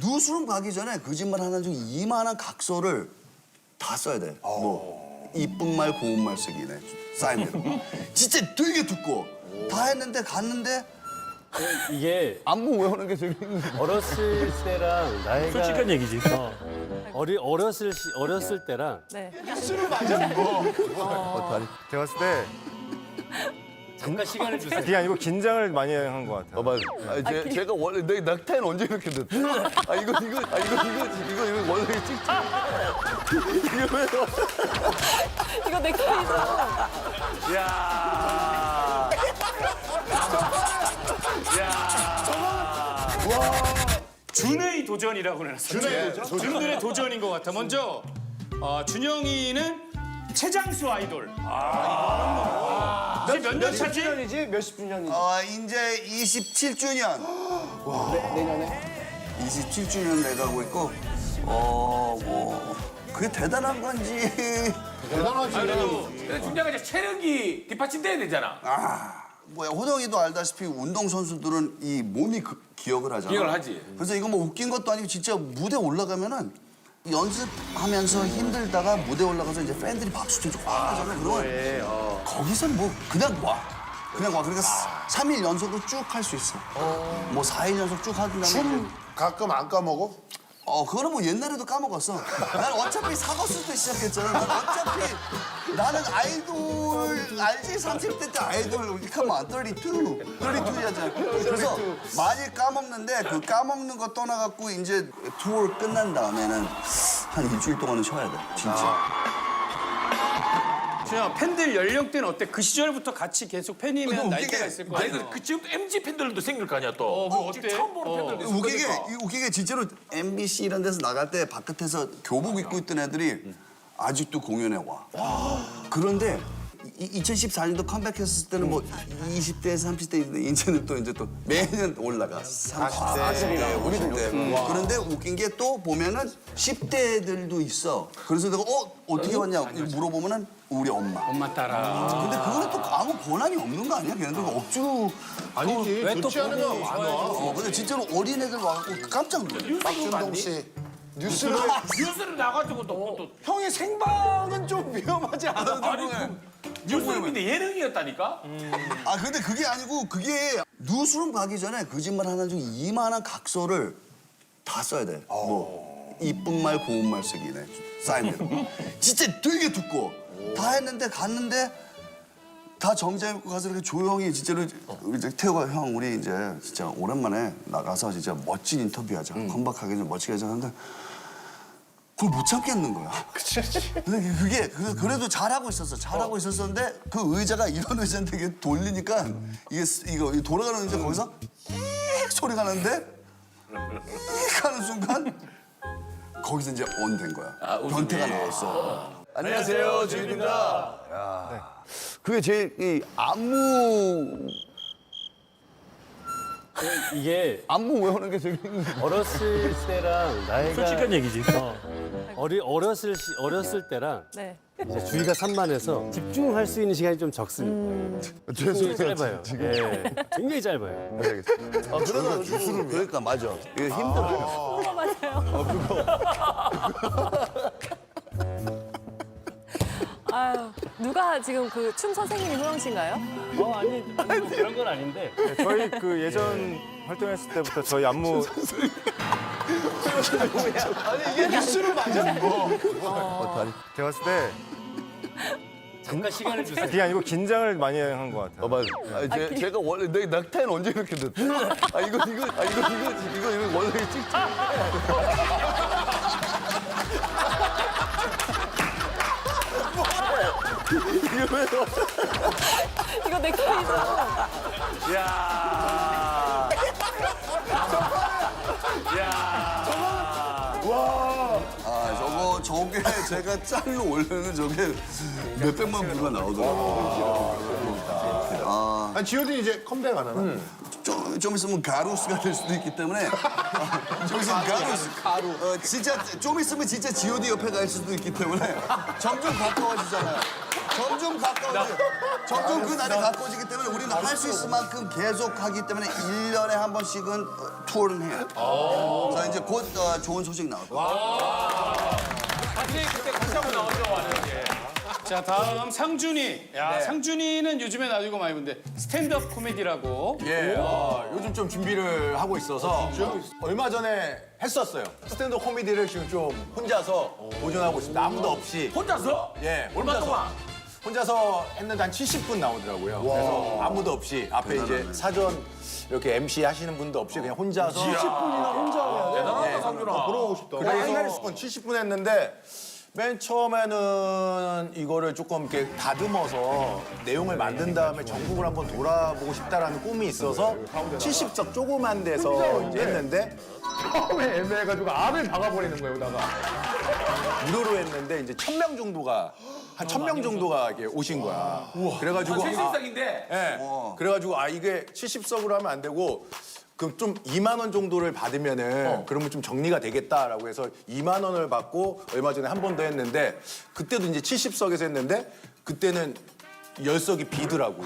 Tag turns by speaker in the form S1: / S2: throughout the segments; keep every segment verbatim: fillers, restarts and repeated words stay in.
S1: 뉴스룸 가기 전에 거짓말 하나 중 이만한 각서를 다 써야 돼. 뭐 이쁜 말 고운 말 쓰기네. 사인대로. 진짜 되게 두꺼워. 다 했는데 갔는데
S2: 이게
S1: 안무 외우는 게 재밌는 거야.
S2: 어렸을 때랑 나이가
S3: 솔직한 얘기지.
S2: 어, 어리 어렸을 시, 어렸을 때랑
S4: 네.
S5: 제가 봤을 때
S2: 잠깐 시간을 주세요.
S5: 그게 아니고 긴장을 많이 한 것 같아요.
S1: 어, 맞아. 아, 제, 제가 원래 내 넥타이는 언제 이렇게 됐대? 아 이거 이거 아 이거 이거 이거 이거 원래 찍지. 이거 왜?
S4: 이거 넥타이죠.
S3: 야. 야. 준의 도전이라고 해놨어. 준의 도전? 준들의 도전인 것 같아. 먼저 어, 준영이는 최장수 아이돌. 아, 이거는 뭐. 몇 년 차지?
S5: 주년이지? 몇십 주년이지?
S1: 어 이제 이십칠 주년. 내년에? 이십칠 주년 돼가고 있고 어뭐 그게 대단한 건지.
S6: 그래도 준영이가 이제 체력이 뒷받침돼야 되잖아.
S1: 아 뭐야 호동이도 알다시피 운동 선수들은 이 몸이 그, 기억을 하잖아.
S6: 기억을 하지.
S1: 그래서 이거 뭐 웃긴 것도 아니고 진짜 무대 올라가면은 연습하면서 힘들다가 무대 올라가서 이제 팬들이 박수 쳐주고 와 하잖아. 그러면 거기서 뭐 그냥 와. 그냥 와. 그러니까 삼 일 연속으로 쭉 할 수 있어. 뭐 사 일 연속 쭉 하든가.
S7: 춤 가끔 안 까먹어?
S1: 어, 그거는 뭐 옛날에도 까먹었어. 난 어차피 사거스 때 시작했잖아. 난 어차피 나는 아이돌 알지? 삼십 대 때 아이돌 come on, 삼십이. 삼십이잖아. 그래서 많이 까먹는데 그 까먹는 거 떠나갖고 이제 투어 끝난 다음에는 한 일주일 동안은 쉬어야 돼. 진짜.
S3: 준영 팬들 연령대는 어때? 그 시절부터 같이 계속 팬이면
S1: 이거
S3: 나이대가
S1: 웃기게.
S3: 있을 거
S6: 아니
S3: 아니야.
S6: 그 지금도 엠지 팬들도 생길 거 아니야 또.
S3: 어, 그거
S6: 지금
S3: 어때?
S6: 처음 보는
S3: 어.
S6: 팬들도 있을
S1: 웃기게,
S6: 거니까.
S1: 이- 웃기게 진짜로 엠비씨 이런 데서 나갈 때 바깥에서 교복 입고 있던 애들이 아직도 공연에 와. 그런데 이- 이천십사 년도 컴백했을 때는 뭐 이십 대에서 삼십 대인데 이제는 또 이제 또 매년 올라가. 사십 대, 오십 대. 그런데 웃긴 게 또 보면은 십 대들도 있어. 그래서 내가 어 어떻게 왔냐 물어보면은 우리 엄마.
S3: 엄마 따라.
S1: 근데 그거는 또 아무 권한이 없는 거 아니야? 걔네들 억지로.
S7: 아니지. 좋지 않은 거 많아.
S1: 어, 근데 진짜로 어린애들 와갖고 깜짝 놀래.
S7: 박준동 씨. 뉴스를
S6: 뉴스를 나가지고 또, 또
S5: 형이 생방은 좀 위험하지 않아?
S6: 아니 그 뉴스룸인데 예능이었다니까.
S1: 아 근데 그게 아니고 그게 뉴스룸 가기 전에 거짓말 하나 중 이만한 각서를 다 써야 돼. 뭐 이쁜 말 고운 말 쓰기네. 사인대로. 진짜 되게 두꺼워. 다 했는데 갔는데 다 정장 입고 가서 이렇게 조용히 진짜로 이제 태호가 형 우리 이제 진짜 오랜만에 나가서 진짜 멋진 인터뷰하자. 컴백하게 좀 멋지게 하자 하는데 그걸 못 참겠는 거야. 근데 그게 그- 그래도 잘하고 있었어. 잘하고 있었었는데 그 의자가 이런 의자인데 이게 돌리니까 이게 쓰- 이거 이 돌아가는 의자 거기서 익 소리가 나는데 익 하는 순간 거기서 이제 온 된 거야. 변태가 나왔어. 안녕하세요, 주인입니다. 그게 제일 이 안무
S2: 이게
S1: 안무 외우는 게 재밌는 거야.
S2: 어렸을 때랑 나이가
S3: 솔직한 얘기지.
S2: 어, 어리 어렸을 시, 어렸을 때랑
S4: 네.
S2: 이제 주의가 산만해서 집중할 수 있는 시간이 좀 적습니다. 굉장히 짧아요. 예, 굉장히 짧아요.
S1: 아, 그러다 뉴스룸 그러니까 맞아. 이게 힘들어요.
S4: 그거 맞아요. 아유, 누가 지금 그 춤 선생님이 호영 씨인가요?
S2: 어 아니, 아니 뭐 그런 건 아닌데.
S5: 네, 저희 그 예전 활동했을 때부터 저희 안무 제가 봤을 때
S2: 잠깐 시간을 주세요.
S5: 그게 아니고 긴장을 많이 한 것 같아요.
S1: 어, 맞아. 아, 제, 제가 원래 내 넥타이는 언제 이렇게 됐대? 아, 이거, 이거, 아, 이거, 이거, 이거, 이거 원래 찍지. 이거 왜?
S4: 이거 넥타이죠.
S3: 야. 야.
S1: 아, 저거, 저게 제가 짤로 올려는 저게 몇백만 뷰가 나오더라고요. 아,
S7: 아니 지효딘 이제 컴백 안 하나?
S1: 좀, 좀 있으면 가루스가 될 수도 있기 때문에. 좀 있으면 가루스. 가루. 어, 진짜, 좀 있으면 진짜 지오디 옆에 갈 수도 있기 때문에 점점 가까워지잖아요. 점점 가까워지. 점점 그 날이 가까워지기 때문에 우리는 할 수 있을 만큼 계속 하기 때문에 일 년에 한 번씩은 어, 투어를 해요. 자, 이제 곧 어, 좋은 소식 나올 거예요.
S6: 같이 그때 같이 한번 나오죠, 왔는데.
S3: 자, 다음 상준이. 야, 상준이는 요즘에 나오고 많이 보는데 스탠드업 코미디라고.
S8: 예, 어, 요즘 좀 준비를 하고 있어서 얼마 전에 했었어요. 스탠드 코미디를 지금 좀 혼자서 도전하고 있습니다. 아무도 없이.
S6: 혼자서?
S8: 예,
S6: 얼마
S8: 혼자서.
S6: 동안?
S8: 혼자서 했는데 한 칠십 분 나오더라고요. 그래서 아무도 없이 앞에 이제 사전 이렇게 엠씨 하시는 분도 없이 그냥 혼자서 칠십 분이나 혼자 해야 돼.
S6: 대단하다, 상준아.
S7: 부러우고 싶다.
S8: 그래서 칠십 분 했는데 맨 처음에는 이거를 조금 이렇게 다듬어서 내용을 만든 다음에 전국을 한번 돌아보고 싶다라는 꿈이 있어서 칠십 석 조그만 데서 이제 했는데
S5: 처음에 애매해가지고 알을 박아버리는 거예요, 여기다가.
S8: 무료로 했는데 이제 천 명 정도가 한 천 명 정도가 이렇게 오신 거야. 그래가지고
S6: 칠십 석인데.
S8: 예. 그래가지고 아 이게 칠십 석으로 하면 안 되고 그럼 좀 이만 원 정도를 받으면은 그러면 좀 정리가 되겠다라고 해서 이만 원을 받고 얼마 전에 한 번 더 했는데 그때도 이제 칠십 석에서 했는데 그때는 열 석이 비더라고.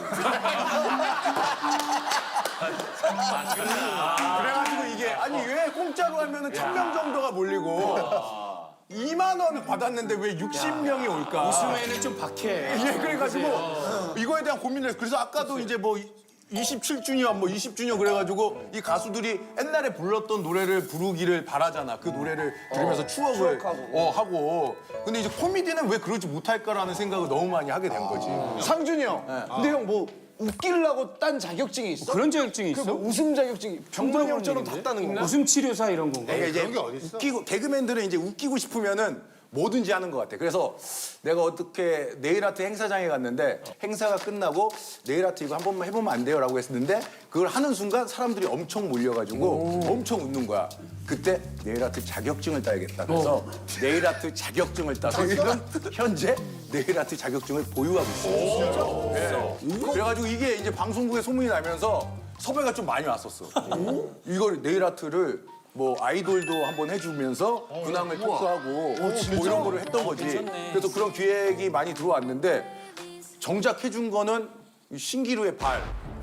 S8: 그래가지고 이게 아니 왜 공짜로 하면은 천 명 정도가 몰리고 이만 원을 받았는데 왜 육십 명이 올까?
S3: 웃음에는 좀 박해.
S8: 예, 그래가지고 이거에 대한 고민을 했어요. 그래서 아까도 이제 뭐 이십칠 주년, 뭐 이십 주년 그래가지고 이 가수들이 옛날에 불렀던 노래를 부르기를 바라잖아. 그 노래를 들으면서 추억을 어, 하고. 근데 이제 코미디는 왜 그러지 못할까라는 생각을 너무 많이 하게 된 거지.
S9: 상준이 형. 근데 형 뭐 웃기려고 딴 자격증이 있어?
S3: 그런 자격증이 있어?
S9: 뭐 웃음 자격증이 병만이 형처럼 다 따는 건가?
S3: 웃음 치료사 이런 건가?
S8: 그러니까 이제 웃기고 개그맨들은 이제 웃기고 싶으면은 뭐든지 하는 것 같아. 그래서 내가 어떻게 네일 아트 행사장에 갔는데 행사가 끝나고 네일 아트 이거 한 번만 해보면 안 돼요라고 했는데 그걸 하는 순간 사람들이 엄청 몰려가지고 엄청 웃는 거야. 그때 네일 아트 자격증을 따야겠다. 그래서 네일 아트 자격증을 따서 지금 현재 네일 아트 자격증을 보유하고 있어요. 네. 그래가지고 이게 이제 방송국에 소문이 나면서 섭외가 좀 많이 왔었어. 이걸 네일 아트를 뭐 아이돌도 한번 해주면서 근황을 토크하고 뭐 이런 거를 했던 거지. 그래서 그런 기획이 많이 들어왔는데 정작 해준 거는 신기루의 발.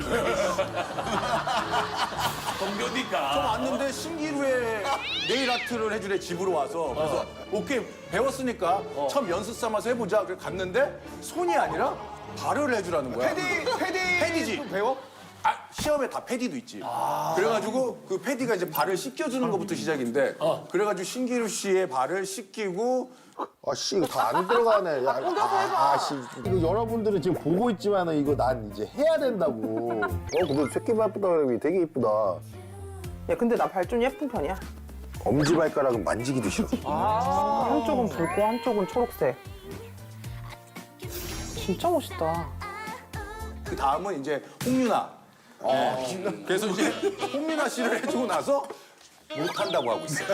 S6: 동료니까.
S8: 좀 왔는데 신기루의 네일 아트를 해주래 집으로 와서 그래서 오케이 배웠으니까 처음 연습 삼아서 해보자. 그래 갔는데 손이 아니라 발을 해주라는 거야.
S9: 패디, 패디.
S8: 패디지.
S9: 배워?
S8: 아, 시험에 다 패디도 있지. 그래가지고 그 패디가 이제 발을 씻겨주는 것부터 시작인데 그래가지고 신기루 씨의 발을 씻기고
S7: 아씨 이거 다 안 들어가네. 야, 아, 아씨 이거 여러분들은 지금 보고 있지만은 이거 난 이제 해야 된다고. 어 근데 새끼발 예쁘다 그러니 되게 이쁘다.
S10: 야, 근데 나 발 좀 예쁜 편이야.
S7: 엄지 발가락은 만지기도 싫어.
S10: 한쪽은 붉고 한쪽은 초록색. 진짜 멋있다.
S8: 그 다음은 이제 홍윤아. 그래서 이제 홍윤아 씨를 해주고 나서 못한다고 하고 있어요.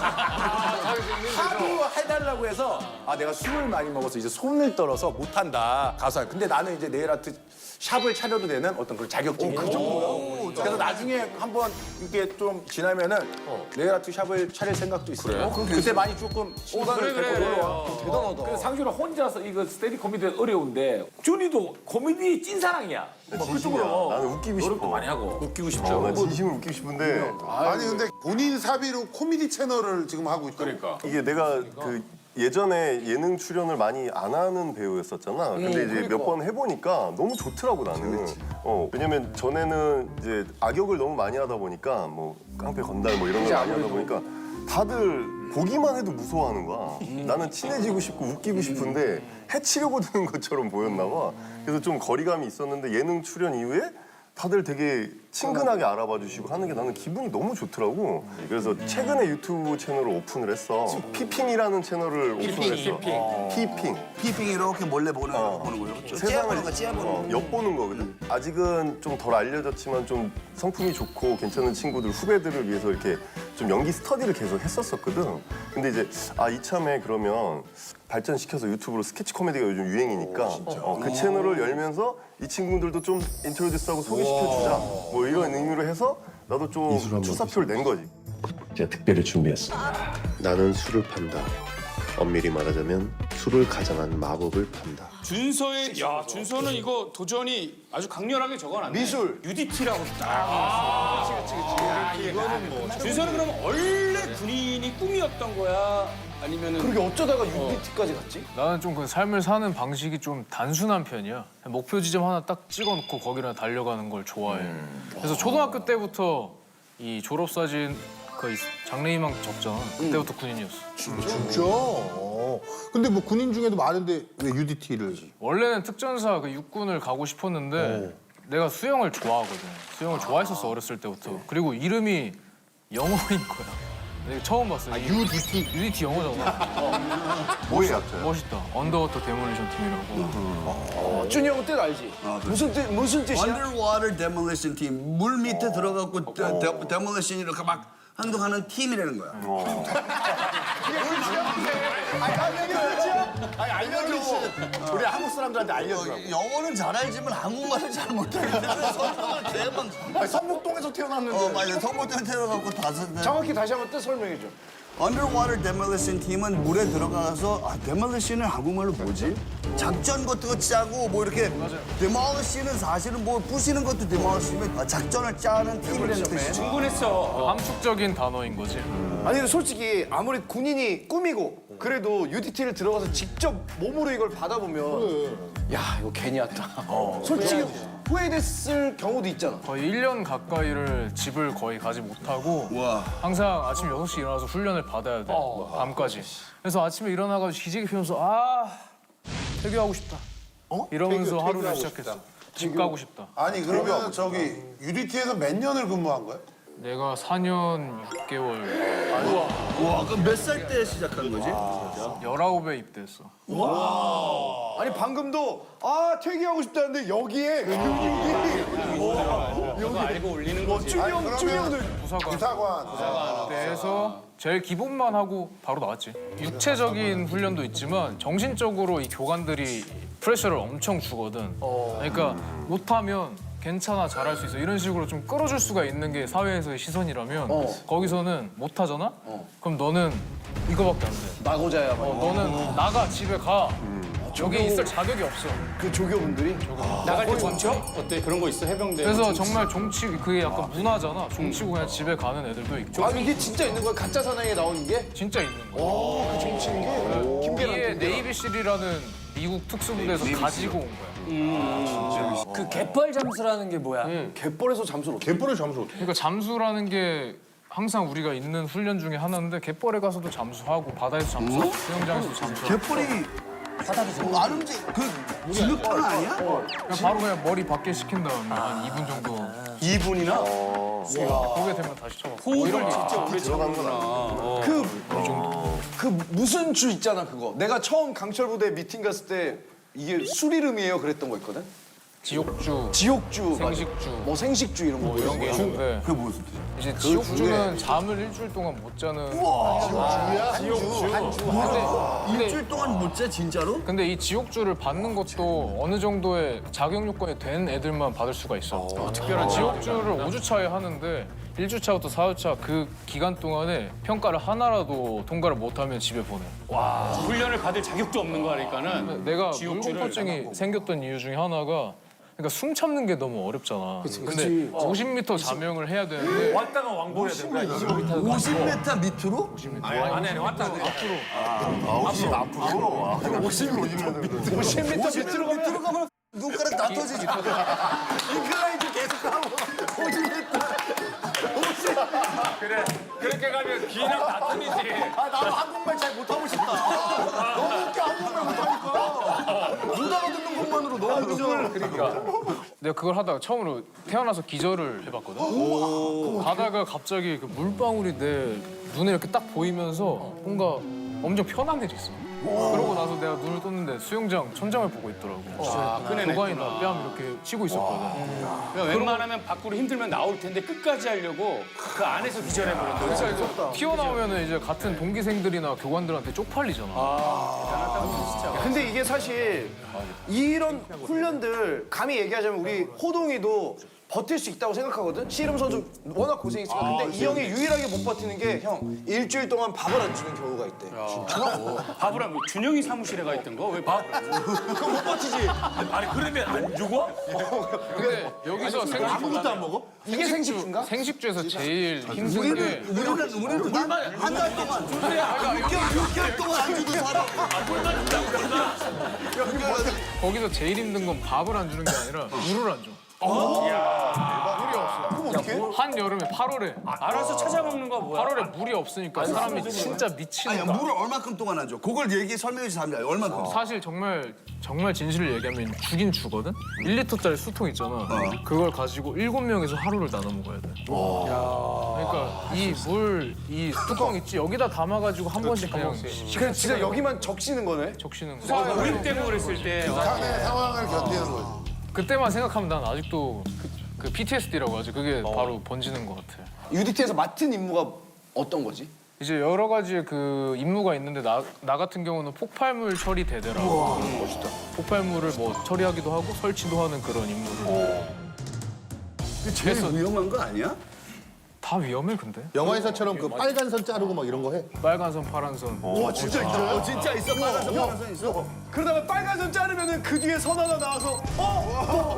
S8: 하도 해달라고 해서 아 내가 술을 많이 먹어서 이제 손을 떨어서 못한다 가수. 근데 나는 이제 네일 아트 샵을 차려도 되는 어떤 그런 자격증이 그 정도요. 그래서 나중에 한번 이렇게 좀 지나면은 네일 아트 샵을 차릴 생각도 있어요. 그때 많이 조금 시간을
S6: 그래, 그래,
S8: 데리고
S6: 그래.
S8: 놀러와.
S9: 대단하다.
S6: 그래서 상준아 혼자서 이거 스테디 코미디 어려운데 준이도 코미디 찐사랑이야. 뭐 그쪽으로
S11: 나는 웃기고 싶어.
S6: 노력도 많이 하고.
S3: 웃기고 싶죠.
S11: 난 진심으로 웃기고 싶은데
S7: 아니 근데 본인 사비로 코미디 채널을 지금 하고 있다.
S6: 그러니까.
S11: 이게 내가 그 예전에 예능 출연을 많이 안 하는 배우였었잖아. 근데 이제 몇 번 해보니까 너무 좋더라고 나는. 어 왜냐면 전에는 이제 악역을 너무 많이 하다 보니까 뭐 깡패 건달 뭐 이런 걸 많이 하다 보니까 다들 보기만 해도 무서워하는 거야. 나는 친해지고 싶고 웃기고 싶은데 해치려고 드는 것처럼 보였나 봐. 그래서 좀 거리감이 있었는데 예능 출연 이후에 다들 되게 친근하게 알아봐 주시고 하는 게 나는 기분이 너무 좋더라고. 그래서 최근에 유튜브 채널을 오픈을 했어. 피핑이라는 채널을 오픈을 했어. 피핑.
S1: 피핑 이렇게 몰래 보는 보는 거예요. 그렇죠? 째보는 거, 째보는
S11: 어,
S1: 거.
S11: 엿보는 거거든. 아직은 좀 덜 알려졌지만 좀 성품이 좋고 괜찮은 친구들, 후배들을 위해서 이렇게 좀 연기 스터디를 계속 했었었거든. 근데 이제 아 이참에 그러면 발전시켜서 유튜브로 스케치 코미디가 요즘 유행이니까 어, 그 채널을 열면서 이 친구들도 좀 인트로듀스하고 소개시켜주자. 뭐 이런 의미로 해서 나도 좀 출사표를 낸 거지.
S12: 제가 특별히 준비했습니다. 나는 술을 판다. 엄밀히 말하자면
S7: 술을 가장한 마법을 판다.
S3: 준서의 야 준서는 이거 도전이 아주 강렬하게 적어놨네.
S9: 미술.
S3: 유디티라고 딱. 아, 그렇지 그렇지. 이거는 뭐. 준서는 그러면 원래 군인이 꿈이었던 거야? 아니면은
S9: 그렇게 어쩌다가 유니티까지 갔지?
S5: 나는 좀 그 삶을 사는 방식이 좀 단순한 편이야. 목표 지점 하나 딱 찍어놓고 거기를 달려가는 걸 좋아해. 그래서 초등학교 때부터 이 졸업사진 그 장래희망 적잖아. 그때부터 군인이었어.
S7: 진짜? 어. 근데 뭐 군인 중에도 많은데 왜 유디티를?
S5: 원래는 특전사 그 육군을 가고 싶었는데 내가 수영을 좋아하거든. 수영을 좋아했었어 어렸을 때부터. 그리고 이름이 영어인 거야. 내가 처음 봤어.
S7: 유디티?
S5: 유디티 영어잖아.
S11: 뭐야?
S5: 멋있다. 언더워터 데몰리션 팀이라고.
S9: 어, 준이 형은 뜻 알지? 무슨 뜻 무슨 뜻이야?
S1: Underwater Demolition Team. 물 밑에 들어가고 데- 데- 데몰리션 이렇게 막 행동하는 팀이라는 거야.
S7: 아니 알려줘. 우리 한국 사람들한테 알려줘.
S1: 어, 영어는 잘 알지만 한국말을 잘 못하는데 성공을 대만.
S7: 아니, 성북동에서 태어났는데.
S1: 어 맞아. 성공대 태어나고 다섯.
S9: 정확히 다시 한번 뜻 설명해 줘.
S1: Underwater Demolition 팀은 물에 들어가서 아 Demolition은 한국말로 뭐지? 작전 같은 거 짜고 뭐 이렇게 Demolish는 사실은 뭐 부시는 것도 Demolish면 아, 작전을 짜는 팀이라는 뜻이죠.
S3: 충분했어.
S5: 함축적인 단어인 거지.
S9: 아니 근데 솔직히 아무리 군인이 꿈이고 그래도 유디티를 들어가서 직접 몸으로 이걸 받아보면 야 이거 괜히 왔다. 솔직히 후회됐을 경우도 있잖아.
S5: 거의 일 년 가까이를 집을 거의 가지 못하고
S1: 와.
S5: 항상 아침 여섯 시 일어나서 훈련을 받아야 돼. 밤까지. 그래서 아침에 일어나가지고 기지개 피우면서 아 퇴교하고 싶다. 이러면서
S7: 퇴교,
S5: 하루를
S7: 퇴교하고
S5: 시작했어. 집 가고 싶다.
S7: 아니 그러면 저기 유디티에서 몇 년을 근무한 거야?
S5: 내가 사 년 육 개월
S1: 와 그럼 몇 살 때 시작한 거지?
S5: 열아홉에 입대했어.
S9: 아니 방금도 아 퇴기하고 싶다는데 여기에
S3: 그거 알고 올리는 거지.
S9: 준이 형 준이 형들
S5: 부사관
S7: 부사관.
S5: 입대해서 제일 기본만 하고 바로 나왔지. 육체적인 훈련도 있지만 정신적으로 이 교관들이 프레셔를 엄청 주거든. 그러니까 못하면 괜찮아 잘할 수 있어 이런 식으로 좀 끌어줄 수가 있는 게 사회에서의 시선이라면 거기서는 못하잖아? 그럼 너는 이거밖에 안 돼.
S9: 나고자야.
S5: 어, 너는 나가 집에 가. 여기 있을 자격이 없어.
S9: 그 조교분들이
S3: 나갈 때 정쳐? 어때? 그런 거 있어? 해병대.
S5: 그래서 정말 종치 그게 약간 문화잖아. 종치고 그냥 집에 가는 애들도 있고
S9: 아 이게 진짜 있는 거야? 가짜 사나이에 나오는 게?
S5: 진짜 있는 거야.
S9: 그 정치인 게? 김계란
S5: 이게 네이비실이라는 미국 특수부대에서 가지고 온 거야.
S6: 그 갯벌 잠수라는 게 뭐야?
S9: 갯벌에서 잠수를 어떻게?
S7: 갯벌에 잠수 어떻게?
S5: 그러니까 잠수라는 게 항상 우리가 있는 훈련 중에 하나인데 갯벌에 가서도 잠수하고 바다에서 잠수하고 수영장에서도 잠수하고
S1: 개뿔이 바닥에서 아름지 그 진흙탕 아니야?
S5: 그냥 바로 그냥 머리 밖에 식힌 다음에 한 이 분 정도
S3: 이 분이나
S5: 보게 되면 다시 쳐봐.
S3: 호흡을 진짜 오래 참는구나.
S9: 그, 그 무슨 주 있잖아 그거. 내가 처음 강철 부대 미팅 갔을 때 이게 술 이름이에요 그랬던 거 있거든.
S5: 지옥주,
S9: 지옥주,
S5: 생식주.
S9: 뭐 생식주 이런 거
S5: 이런 게 있는데
S1: 그게 무슨 뜻이야?
S5: 이제 지옥주는 잠을 일주일 동안 못 자는
S1: 일주일 동안 못 자 진짜로?
S5: 근데 이 지옥주를 받는 것도 어느 정도의 자격 요건이 된 애들만 받을 수가 있어. 특별한 지옥주를 오 주 차에 하는데 일 주차부터 사 주차 그 기간 동안에 평가를 하나라도 통과를 못하면 집에 보내.
S3: 훈련을 받을 자격도 없는 거니까는.
S5: 내가
S3: 지옥주를
S5: 물공포증이 생겼던 이유 중에 하나가 그러니까 숨 참는 게 너무 어렵잖아. 근데 오십 미터 자명을 해야 되는데
S6: 왔다가 왕복해야 되는 거야. 이십오 미터.
S1: 오십 미터 밑으로?
S6: 아니 아니 왔다가 앞으로.
S11: 앞으로 앞으로. 오십 오십
S9: 오십 미터 밑으로 가면
S1: 밑으로 가면 눈가락 다 터지지. 인클라이드 계속 하고 오십 미터.
S6: 그래 그렇게 가면 귀랑 다 틀리지.
S7: 아 나도 한국말 잘 못하고 싶다. 너무 웃겨 한국말 못하니까. 못 알아듣는 것만으로 너무 웃겨.
S5: 그러니까 내가 그걸 하다가 처음으로 태어나서 기절을 해봤거든. 가다가 갑자기 그 물방울이 내 눈에 이렇게 딱 보이면서 뭔가 엄청 편안해졌어. 그러고 나서 내가 눈을 떴는데 수영장 천장을 보고 있더라고. 교관이나 뺨 이렇게 치고 있었거든.
S3: 그러니까 웬만하면 밖으로 힘들면 나올 텐데 끝까지 하려고 그 안에서 기절해버린다.
S5: 그러니까 이제 튀어나오면 이제 같은 동기생들이나 교관들한테 쪽팔리잖아.
S9: 근데 이게 사실 이런 훈련들 감히 얘기하자면 우리 호동이도 버틸 수 있다고 생각하거든. 씨름 선수 워낙 고생했으니까. 근데 이 형이 유일하게 못 버티는 게 형 일주일 동안 밥을 안 주는 경우가 있대.
S3: 밥을 하면 준영이 사무실에 가 있던 거 왜 밥?
S9: 그거 못 버티지.
S6: 아니 그러면 안 죽어?
S5: 근데 여기서 생식,
S7: 아무것도 안 먹어?
S9: 이게 생식주인가?
S5: 생식주에서 제일 힘든 게
S1: 우리는 우리는 한달 동안 육 개월 육 개월 동안 안 주고 살아.
S5: 거기서 제일 힘든 건 밥을 안 주는 게 아니라 물을 안 줘. 물이 없어. 한 여름에 팔월에
S3: 알아서 찾아 먹는 거 뭐야?
S5: 팔월에 물이 없으니까 사람이 진짜 미치는
S1: 아니
S5: 거야.
S1: 물을 얼마큼 동안 안 줘? 그걸 얘기 설명해 주세요. 얼마큼?
S5: 사실 정말 정말 진실을 얘기하면 죽인 죽거든. 일 리터짜리 수통 있잖아. 그걸 가지고 일곱 명이서 하루를 나눠 먹어야 돼. 그러니까 이 물 이 뚜껑 있지 여기다 담아가지고 한 번씩 그냥
S9: 그래 진짜 여기만 적시는 거네.
S5: 적시는 거.
S3: 우리 때문에 그랬을 때
S7: 상황의 상황을 견디는 거지.
S5: 그때만 생각하면 난 아직도 그, 그 피티에스디라고 하지. 그게 바로 번지는 것 같아.
S9: 유디티에서 맡은 임무가 어떤 거지?
S5: 이제 여러 가지의 그 임무가 있는데 나, 나 같은 경우는 폭발물 처리 대대라고. 멋있다. 폭발물을 뭐 처리하기도 하고 설치도 하는 그런 임무를.
S1: 그게 제일 위험한 거 아니야?
S5: 다 위험해 근데.
S7: 영화에서처럼 그 빨간 선 자르고 막 이런 거 해?
S5: 빨간 선, 파란 선.
S1: 와 진짜 있어요? 진짜 있어. 빨간색 빨간색 있어.
S9: 그러다가 빨간 선 자르면은 그 뒤에 선 하나 나와서 어?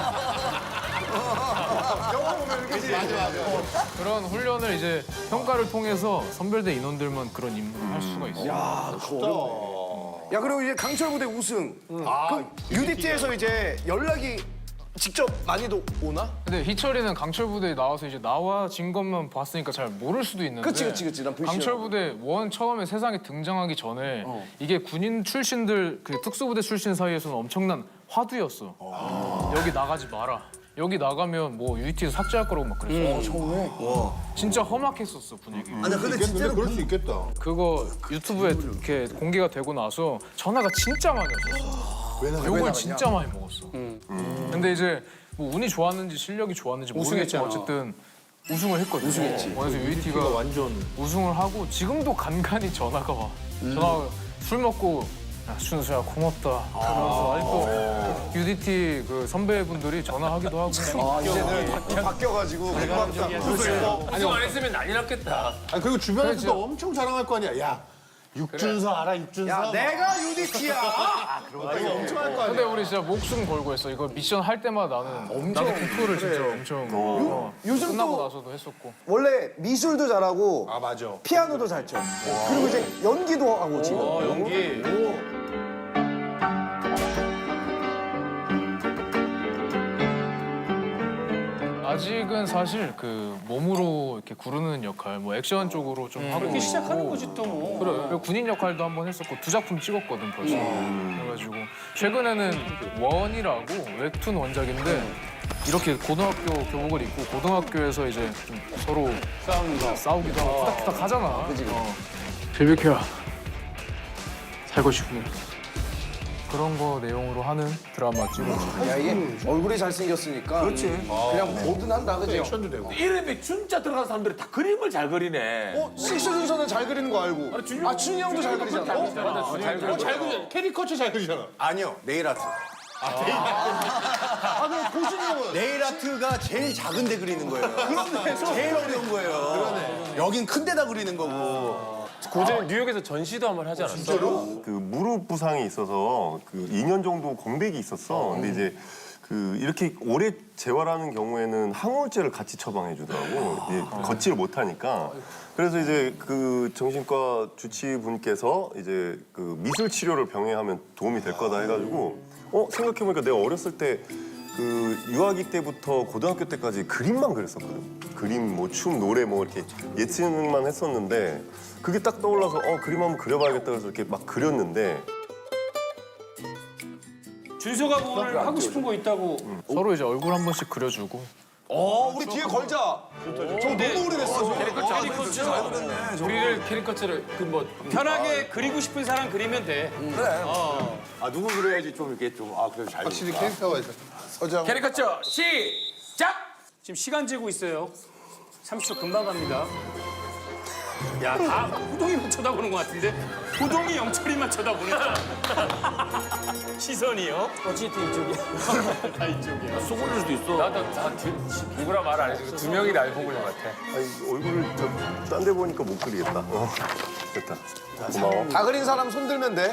S9: 영화 보면 그지? 맞아 맞아.
S5: 그런 훈련을 이제 평가를 통해서 선별대 인원들만 그런 임무를 할 수가 있어.
S9: 야, 그거 야 그리고 이제 강철 부대 우승. 그럼 유디티에서 이제 연락이 직접 많이도 오나?
S5: 근데 희철이는 강철 부대에 나와서 이제 나와 진 것만 봤으니까 잘 모를 수도 있는데.
S9: 그치 그치 그치. 난 불신.
S5: 강철 부대 원 처음에 세상에 등장하기 전에 이게 군인 출신들 그 특수부대 출신 사이에서는 엄청난 화두였어. 여기 나가지 마라. 여기 나가면 뭐 유이티에서 삭제할 거라고 막 그랬어.
S9: 처음에.
S5: 진짜 험악했었어 분위기.
S1: 아니 근데 진짜로
S7: 그럴 수 있겠다.
S5: 그거 유튜브에 이렇게 공개가 되고 나서 전화가 진짜 많이 왔었어. 욕을 진짜 많이 먹었어. 근데 이제 뭐 운이 좋았는지 실력이 좋았는지 모르겠지만 어쨌든 우승을 했거든. 우승했지. 그래서 유이티가 완전 우승을 하고 지금도 간간히 전화가 와. 전화가 술 먹고 야, 준수야 고맙다. 그러면서 아직도 유디티 그 선배분들이 전화하기도 하고.
S9: 아 이제는 바뀌어가지고 고맙다.
S6: 아니 안 했으면 난리 났겠다.
S7: 아니 그리고 주변에서도 엄청 자랑할 거 아니야. 야 육준서 알아 육준서?
S9: 야 내가 유디티야.
S7: 엄청 할 거 아니야.
S5: 근데 우리 진짜 목숨 걸고 했어. 이거 미션 할 때마다 나는 엄청 나도 공포를 진짜 엄청 어,
S9: 요즘
S5: 끝나고
S9: 또
S5: 나서도 했었고.
S9: 원래 미술도 잘하고
S7: 아 맞아.
S9: 피아노도 잘 쳐. 그리고 이제 연기도 하고 지금.
S3: 연기.
S5: 아직은 사실 그 몸으로 이렇게 구르는 역할, 뭐 액션 쪽으로 좀 하고
S3: 그렇게
S5: 있고.
S3: 시작하는 거지 또 뭐.
S5: 그래. 그리고 군인 역할도 한번 했었고 두 작품 찍었거든 벌써. 그래가지고 최근에는 원이라고 웹툰 원작인데 이렇게 고등학교 교복을 입고 고등학교에서 이제 좀 서로 싸우기도, 싸우기도 하고 후닥후닥 하잖아. 그치, 그치. 어. 빌비켜야 살고 싶으면 그런 거 내용으로 하는 드라마 찍었지.
S9: 야 이게 얼굴이 잘생겼으니까. 그렇지. 그냥 뭐든 한다 그지?
S7: 액션도 되고.
S6: 이름에 준자 들어간 사람들이 다 그림을 잘 그리네.
S9: 어 식스 준서는 잘 그리는 거 알고. 아 준이 형도 잘 그리잖아. 어?
S6: 맞아, 잘 그려.
S7: 잘 그리잖아. 캐리커처 잘 그리잖아.
S8: 아니요, 네일 아트.
S9: 아 그럼 고준이 형은.
S8: 네일 아트가 제일 작은데 그리는 거예요. 그런데 제일 어려운 거예요. 그러네. 여긴 큰 데다 그리는 거고.
S6: 고전이 뉴욕에서 전시도 한번 하지 않았어?
S11: 그 무릎 부상이 있어서 그 이 년 정도 공백이 있었어. 근데 이제 그 이렇게 오래 재활하는 경우에는 항우울제를 같이 처방해 주더라고. 이제 걷지를 못하니까. 그래서 이제 그 정신과 주치분께서 이제 그 미술 치료를 병행하면 도움이 될 거다 해가지고 어 생각해 보니까 내가 어렸을 때 그 유아기 때부터 고등학교 때까지 그림만 그렸었거든. 그림, 뭐 춤, 노래 뭐 이렇게 예체능만 했었는데 그게 딱 떠올라서 어 그림 한번 그려봐야겠다 그래서 이렇게 막 그렸는데
S3: 준서가 오늘 하고 싶은 거 있다고.
S5: 서로 이제 얼굴 한 번씩 그려주고.
S9: 어 우리 뒤에 걸자. 저 너무 오래됐어.
S3: 캐리커처.
S6: 우리를 캐리커처를 그뭐
S3: 편하게 그리고 싶은 사람 그리면 돼.
S8: 아 누구 그려야지 좀 이렇게 좀 아 그래도 잘.
S7: 확실히 캐릭터가 있어. 서장.
S6: 캐리커처 시작.
S3: 지금 시간 재고 있어요. 삼십 초 금방 갑니다. 야, 다 호동이만 쳐다보는 것 같은데 호동이 영철이만 쳐다보네. 시선이요?
S6: 어쨌든 이쪽이야.
S3: 다 이쪽이야.
S6: 속 올릴 수도 있어. 나도 나 누구라 말 안 해주고 두 명이 날 보고 있는 것 같아.
S11: 아니, 얼굴을 딴 데 보니까 못 그리겠다. 어, 됐다. 고마워.
S9: 다 그린 사람 손 들면 돼.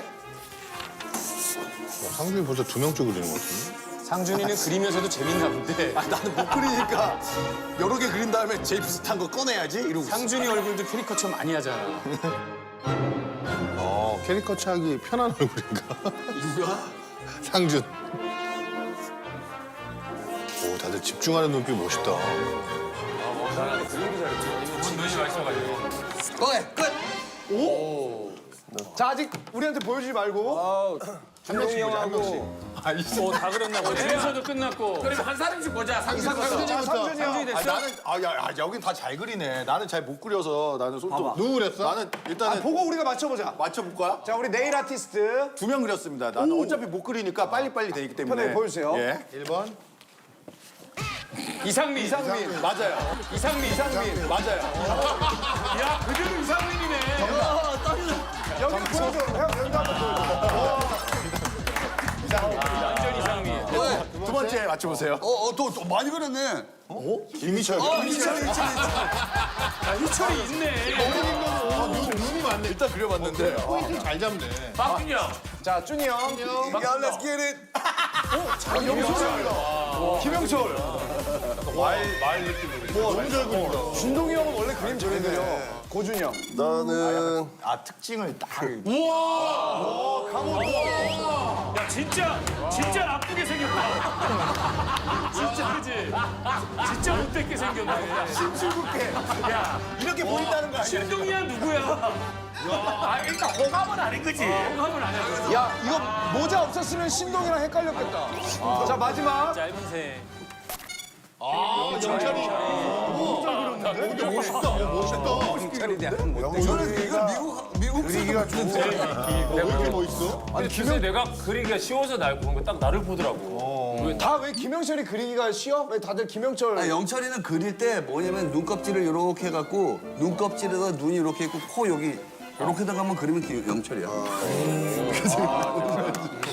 S7: 상준이 벌써 두 명째 그리는 것 같은데?
S3: 상준이는 그리면서도 재밌나 본데
S8: 아, 나는 못 그리니까 여러 개 그린 다음에 제일 비슷한 거 꺼내야지 이러고 있어.
S3: 상준이 얼굴도 캐리커처 많이 하잖아.
S7: 어, 캐리커처 하기 편한 얼굴인가?
S8: 누가?
S7: 상준. 오, 다들 집중하는 눈빛 멋있다.
S5: 눈이 마셔가지고.
S9: 꺼내 끝. 오. 자 아직 우리한테 보여주지 말고 한 명씩 보자 한 명씩.
S3: 어, 다 그렸나 보네. 그래서도 끝났고.
S6: 그럼 한 사람씩 보자. 상준
S9: 자, 상준이 형.
S3: 상준이 됐어?
S7: 아, 나는 아, 야, 야, 여긴 다 잘 그리네. 나는 잘 못 그려서 나는 손톱. 누구 그렸어? 나는 일단은
S9: 아, 보고 우리가 맞춰보자.
S8: 맞춰볼 거야?
S9: 자 우리 네일 아티스트
S8: 두 명 그렸습니다. 나는 어차피 못 그리니까 빨리빨리 되기 때문에.
S9: 편하게 보여주세요.
S8: 예.
S7: 일 번.
S3: 이상민.
S9: 이상민.
S8: 맞아요.
S3: 이상민.
S9: 이상민.
S8: 맞아요.
S3: 야, 그대로 이상민이네.
S9: 여기 보여줘. 형 여기도 한번 보여줘.
S3: 완전 이상민.
S8: 두 번째 맞춰보세요.
S1: 어, 어, 또, 또 많이 그렸네.
S7: 김희철.
S1: 희철이, 희철이.
S3: 아, 희철이 있네.
S7: 눈이 많네.
S8: 일단 그려봤는데
S7: 포인트 잘 잡네.
S6: 박준이 형.
S9: 자 준이 형.
S1: 야, let's get it.
S9: 김영철.
S7: 말 느낌으로. 너무 잘 그린다.
S9: 준동이 형은 원래 그림 잘 그려. 고준이 형.
S11: 나는
S8: 아 특징을 딱.
S3: 야, 진짜, 진짜 나쁘게 생겼다. 진짜, 그지? 진짜 못되게 생겼네.
S8: 심술궂게.
S3: 야,
S8: 이렇게 보인다는 거 아니야?
S3: 신동이야, 누구야?
S6: 아 일단 호감은 아닌 거지.
S3: 공감을 안 해.
S9: 야 이거 모자 없었으면 신동이랑 헷갈렸겠다. 자 마지막.
S3: 짧은 새.
S1: 저는 이거 미국, 미국
S7: 그리기가 좋은데. 왜 이렇게 멋있어?
S6: 아니 김영 내가 그리기가 쉬워서 날 보는 거 딱 나를 보더라고.
S9: 다 왜 김영철이 그리기가 쉬워? 왜 다들 김영철?
S1: 아, 영철이는 그릴 때 뭐냐면 눈껍질을 이렇게 해갖고 눈껍질에다 눈이 이렇게 있고 코 여기 이렇게 다가면 그리면 기- 영철이야.